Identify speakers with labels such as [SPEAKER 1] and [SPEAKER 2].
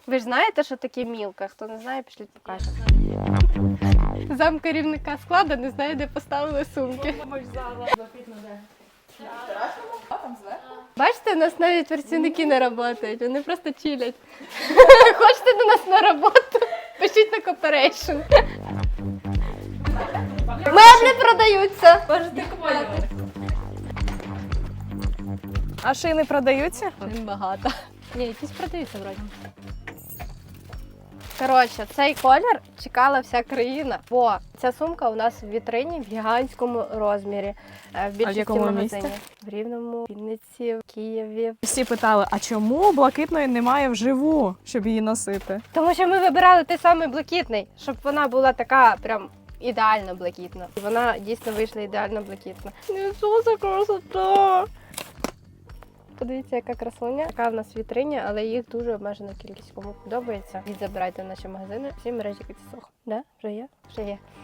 [SPEAKER 1] Ви ж знаєте, що таке мілка? Хто не знає, пішліть покажемо. Зам керівника складу не знає, де поставили сумки. Бачите, у нас навіть працівники не працюють, вони просто чилять. Хочете до нас на роботу? Пишіть на кооперейшн. Меблі продаються. Можете купити.
[SPEAKER 2] А шини продаються?
[SPEAKER 1] Багато. Ні, якісь продаються вроді. Коротше, цей колір чекала вся країна, бо ця сумка у нас в вітрині в гігантському розмірі. В більшості
[SPEAKER 2] якому
[SPEAKER 1] магазинів.
[SPEAKER 2] місті?
[SPEAKER 1] В Рівному, Вінниці, в Києві.
[SPEAKER 2] Всі питали, а чому блакитної немає вживу, щоб її носити?
[SPEAKER 1] Тому що ми вибирали той самий блакитний, щоб вона була така прям ідеально блакитна. І вона дійсно вийшла ідеально блакитна. Що за красота! Подивіться, яка красуня. Така в нас в вітрині, але їх дуже обмежена кількість. Кому подобається, їх забирайте в наші магазини. Всі мережі Катісох. Да? Вже є? Вже є.